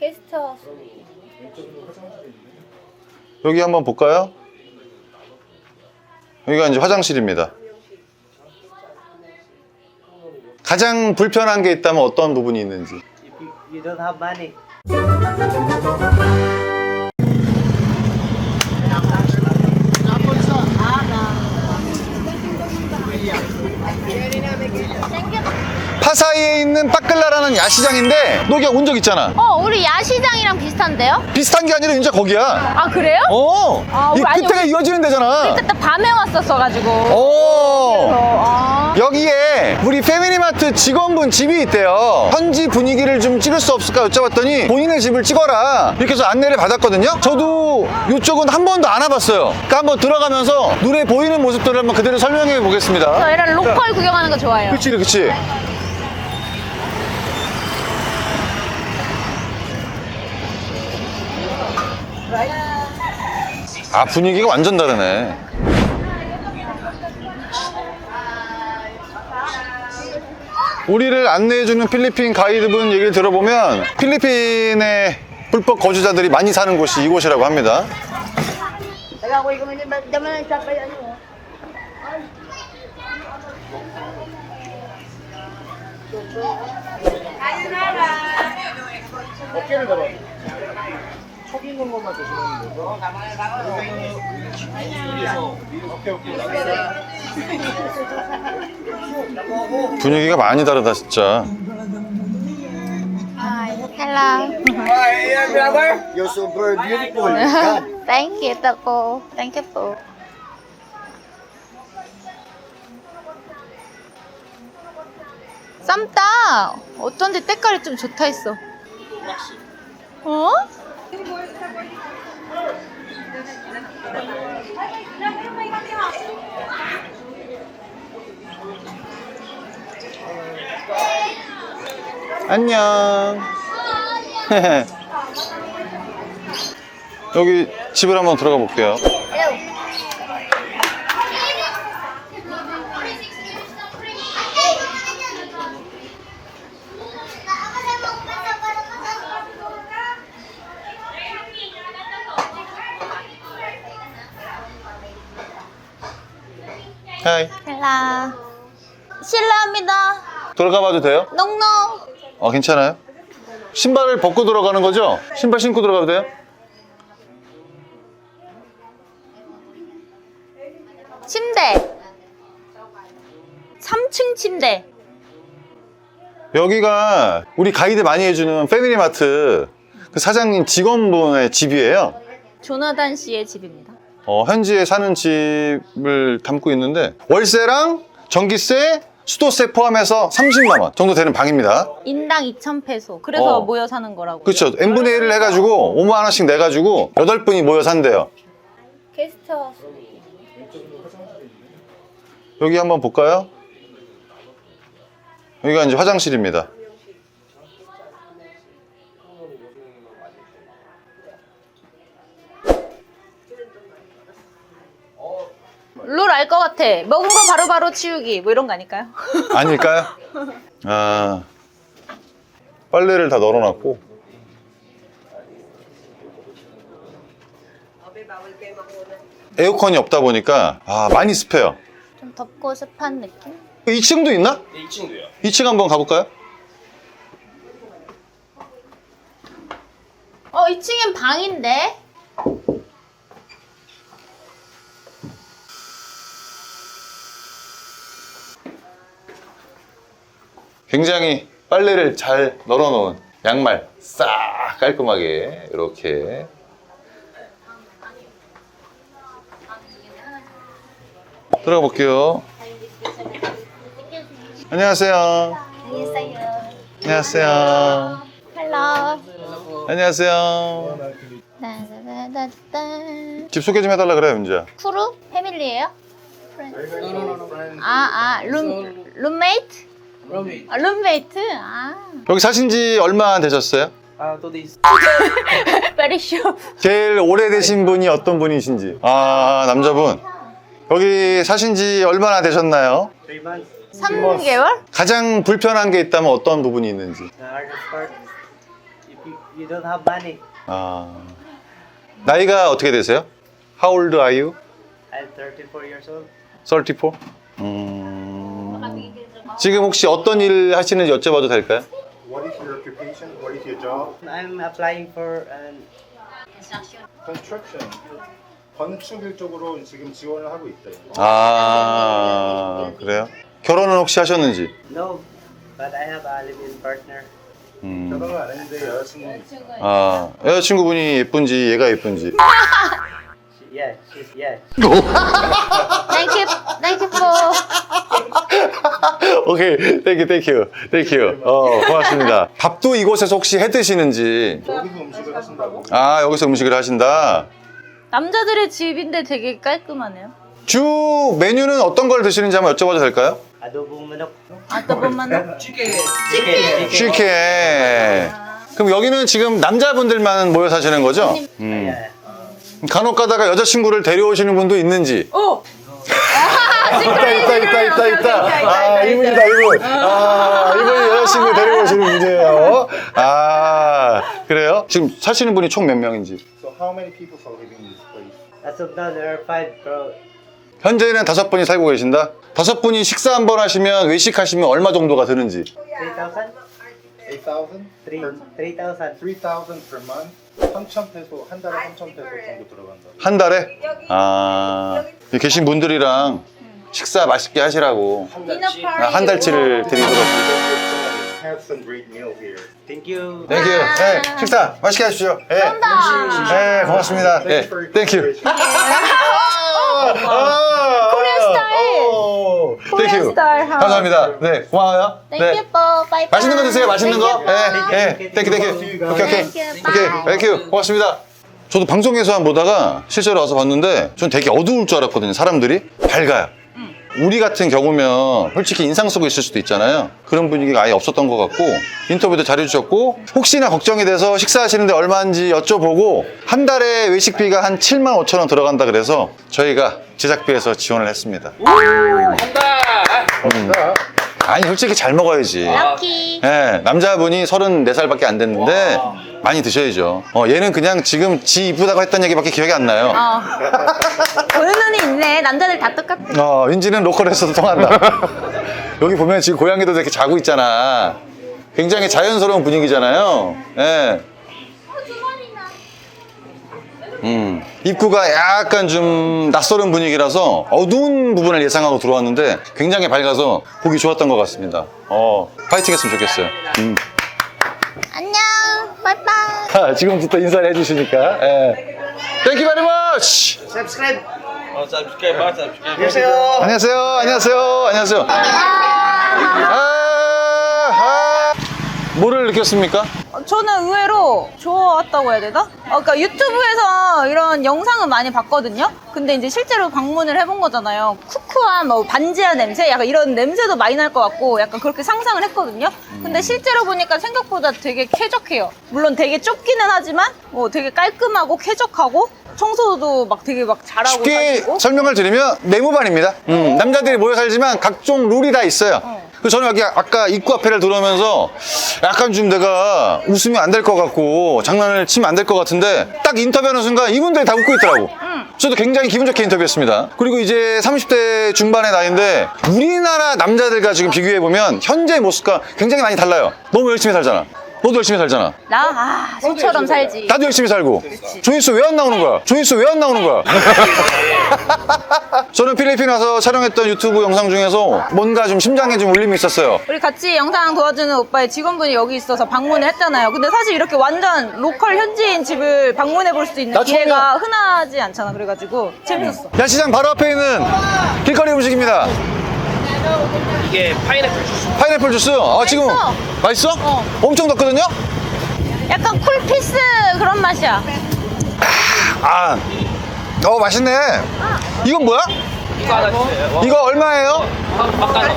게스트하우스. 여기 한번 볼까요? 여기가 이제 화장실입니다. 가장 불편한 게 있다면 어떤 부분이 있는지. If you don't have money. 파사이에 있는 빠끌라라는 야시장인데 너 여기 온 적 있잖아. 우리 야시장이랑 비슷한데요? 비슷한 게 아니라 진짜 거기야. 아, 그래요? 이 아니, 끝에가 우리 이어지는 데잖아. 그때 밤에 왔었어가지고. 오. 여기에 우리 패밀리마트 직원분 집이 있대요. 현지 분위기를 좀 찍을 수 없을까 여쭤봤더니 본인의 집을 찍어라 이렇게 해서 안내를 받았거든요. 저도 이쪽은 한 번도 안 와봤어요. 그러니까 한번 들어가면서 눈에 보이는 모습들을 한번 그대로 설명해 보겠습니다. 저 이런 로컬 구경하는 거 좋아해요. 그치 그치. 아, 분위기가 완전 다르네. 우리를 안내해주는 필리핀 가이드분 얘기를 들어보면 필리핀의 불법 거주자들이 많이 사는 곳이 이곳이라고 합니다. 어깨를 잡아. 촉 있는 것만 조심하면 되고. 오케이. 분위기가 많이 다르다 진짜. Hello. Hi, brother. You're super beautiful. Come. Thank you, Taco. Thank you po. 쌈다. 어쩐지 때깔이 좀 좋다 했어. 어? 안녕. 여기 집을 한번 들어가 볼게요. 하이. 헬라. 실례합니다. 들어가 봐도 돼요? 농농. 괜찮아요? 신발을 벗고 들어가는 거죠? 신발 신고 들어가도 돼요? 침대. 3층 침대. 여기가 우리 가이드 많이 해주는 패밀리마트 그 사장님 직원분의 집이에요. 조나단 씨의 집입니다. 현지에 사는 집을 담고 있는데 월세랑 전기세, 수도세 포함해서 30만 원 정도 되는 방입니다. 인당 2,000페소. 그래서 어. 모여 사는 거라고. 그렇죠. n분의 1을 해가지고 5만 원씩 내가지고 8분이 모여 산대요. 게스트하우스. 여기 한번 볼까요? 여기가 이제 화장실입니다. 룰 알 것 같아. 먹은 거 바로바로 치우기. 뭐 이런 거 아닐까요? 아닐까요? 빨래를 다 널어놨고 에어컨이 없다 보니까 많이 습해요. 좀 덥고 습한 느낌? 2층도 있나? 네, 2층도요. 2층 한번 가볼까요? 2층엔 방인데? 굉장히 빨래를 잘 널어놓은 양말 싹 깔끔하게 이렇게 들어가 볼게요. 안녕하세요. 안녕하세요. 헬로. 안녕하세요. 따다다다다. 집 소개 좀 해달라 그래요, 윤지야. 크루? 패밀리예요? 룸메이트? 룸메이트? 여기 사신 지 얼마 되셨어요? 2 days. Very sure. 제일 오래되신 분이 어떤 분이신지. 남자분. 여기 사신 지 얼마나 되셨나요? 3 months. 3개월? 가장 불편한 게 있다면 어떤 부분이 있는지. The hardest part, if you don't have money. 아, 나이가 어떻게 되세요? How old are you? I'm 34 years old. 34? 지금 혹시 어떤 일 하시는지 여쭤봐도 될까요? What is your occupation? What is your job? I'm applying for an Construction. 건축일 쪽으로 지금 지원을 하고 있어요. 아, 그래요? 결혼은 혹시 하셨는지? no, but I have a live-in partner. 결혼을 안 했는데 여자친구 아, 여자친구분이 예쁜지 얘가 예쁜지. She's yeah. Thank you for. 오케이, 땡큐. 고맙습니다. 밥도 이곳에서 혹시 해 드시는지? 여기서 음식을 하신다고? 아, 여기서 음식을 하신다. 남자들의 집인데 되게 깔끔하네요. 주 메뉴는 어떤 걸 드시는지 한번 여쭤봐도 될까요? Adobong manok. 아따보만. Chicken. 치킨. 그럼 여기는 지금 남자분들만 모여 사시는 거죠? Yeah. 간혹 가다가 여자친구를 데려오시는 분도 있는지? 오. 있다. 아, 이분이다, 이분. 아, 이분이 여자친구 데리고 오시는 분이에요. 아, 그래요? 지금 사시는 분이 총 몇 명인지? So how many people are living in this place? As of now, there are 5 bro. 현재는 5분이 살고 계신다? 5분이 식사 한 번 하시면, 외식하시면 얼마 정도가 드는지? 3,000? 8,000? 3,000. 3,000 per month? 3,000 페소, 한 달에 3,000 페소 정도 들어간다. 한 달에? 아, 여기 계신 분들이랑 식사 맛있게 하시라고 한 달치를 드리도록. Have some great meal here. Thank you. 땡큐. 네, 식사 맛있게 하십시오. 네, 네, 고맙습니다. 네, 땡큐. 코리안 스타일. 땡큐. 스타일. 감사합니다. 네, 고마워요. Thank you for. Bye. 맛있는 거 드세요. 맛있는 거. Thank 네, 땡큐. 오케이, 땡큐. 고맙습니다. 저도 방송에서만 보다가 실제로 와서 봤는데 전 되게 어두울 줄 알았거든요. 사람들이 밝아요. 우리 같은 경우면 솔직히 인상 쓰고 있을 수도 있잖아요. 그런 분위기가 아예 없었던 것 같고 인터뷰도 잘해주셨고 혹시나 걱정이 돼서 식사하시는데 얼마인지 여쭤보고 한 달에 외식비가 한 75,000원 들어간다 그래서 저희가 제작비에서 지원을 했습니다. 아니 솔직히 잘 먹어야지. 럭키. 네, 남자분이 34살밖에 안 됐는데 많이 드셔야죠. 얘는 그냥 지금 지 이쁘다고 했던 얘기밖에 기억이 안 나요. 보는 눈이 있네. 남자들 다 똑같아. 윈지는 로컬에서도 통한다. 여기 보면 지금 고양이도 이렇게 자고 있잖아. 굉장히 자연스러운 분위기잖아요. 예. 입구가 약간 좀 낯설은 분위기라서 어두운 부분을 예상하고 들어왔는데 굉장히 밝아서 보기 좋았던 것 같습니다. 파이팅 했으면 좋겠어요. 안녕. 바이바이. 지금부터 인사를 해주시니까. 예. Thank you very much. Subscribe. 안녕하세요. 뭐를 느꼈습니까? 저는 의외로 좋았다고 해야 되나? 그러니까 유튜브에서 이런 영상은 많이 봤거든요. 근데 이제 실제로 방문을 해본 거잖아요. 쿠쿠한 뭐 반지하 냄새, 약간 이런 냄새도 많이 날 것 같고, 약간 그렇게 상상을 했거든요. 근데 실제로 보니까 생각보다 되게 쾌적해요. 물론 되게 좁기는 하지만, 뭐 되게 깔끔하고 쾌적하고, 청소도 막 되게 막 잘하고. 쉽게 사시고. 설명을 드리면 네모반입니다. 남자들이 모여 살지만 각종 룰이 다 있어요. 그래서 저는 여기 아까 입구 앞에를 들어오면서 약간 좀 내가 웃으면 안 될 것 같고 장난을 치면 안 될 것 같은데 딱 인터뷰하는 순간 이분들이 다 웃고 있더라고. 저도 굉장히 기분 좋게 인터뷰했습니다. 그리고 이제 30대 중반의 나이인데 우리나라 남자들과 지금 비교해보면 현재 모습과 굉장히 많이 달라요. 너무 열심히 살잖아. 너도 열심히 살잖아. 소처럼 살지. 나도 열심히 살고. 조회수 왜 안 나오는 거야? 저는 필리핀 와서 촬영했던 유튜브 영상 중에서 뭔가 좀 심장에 좀 울림이 있었어요. 우리 같이 영상 도와주는 오빠의 직원분이 여기 있어서 방문을 했잖아요. 근데 사실 이렇게 완전 로컬 현지인 집을 방문해 볼 수 있는 나 기회가 처음이야. 흔하지 않잖아. 그래가지고 재밌었어. 야시장 바로 앞에 있는 길거리 음식입니다. 이게 파인애플 주스. 파인애플 주스. 지금 맛있어? 엄청 덥거든요? 약간 쿨피스 그런 맛이야. 맛있네. 이건 뭐야? 이거 하나 주세요. 이거 얼마예요? 막간어.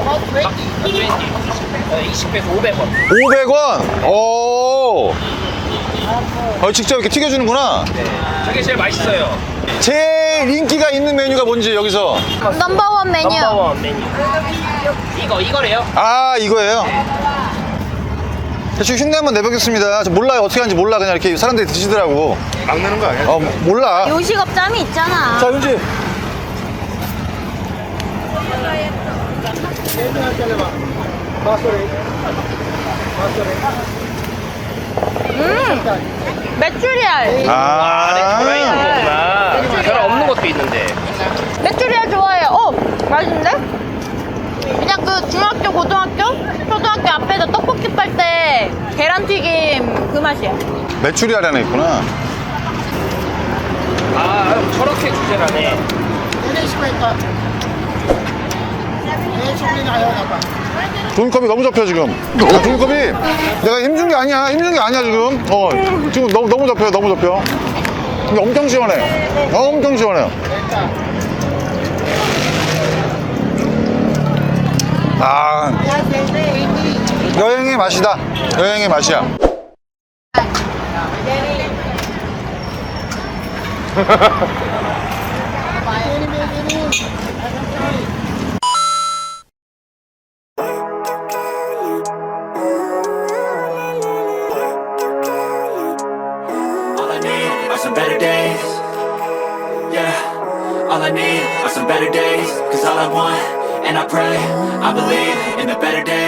20배에서 500원. 500원. 오. 직접 이렇게 튀겨주는구나. 저게 제일 맛있어요. 제일 인기가 있는 메뉴가 뭔지 여기서. 넘버원 메뉴. 넘버원 메뉴. 이거래요. 이거예요? 대충 흉내 한번 내보겠습니다. 저 몰라요. 어떻게 하는지 몰라. 그냥 이렇게 사람들이 드시더라고. 막 내는 거 아니야? 몰라. 요식업자미 있잖아. 자, 윤지. 메추리알. 안에 들어있는 거구나. 계란 없는 것도 있는데. 메추리알 좋아해요. 맛있는데? 그냥 그 중학교, 고등학교, 초등학교 앞에서 떡볶이 팔 때 계란튀김 그 맛이야. 메추리알 하나 있구나. 아, 저렇게 주제라네. 종이컵이 너무 접혀 지금. 종이컵이 내가 힘준 게 아니야. 힘준 게 아니야 지금. 지금 너무 접혀요. 너무 접혀. 근데 엄청 시원해. 엄청 시원해요. 아, 여행의 맛이다. 여행의 맛이야. All I need are some better days. Yeah, all I need are some better days. Cause all I want, and I pray, I believe in the better days.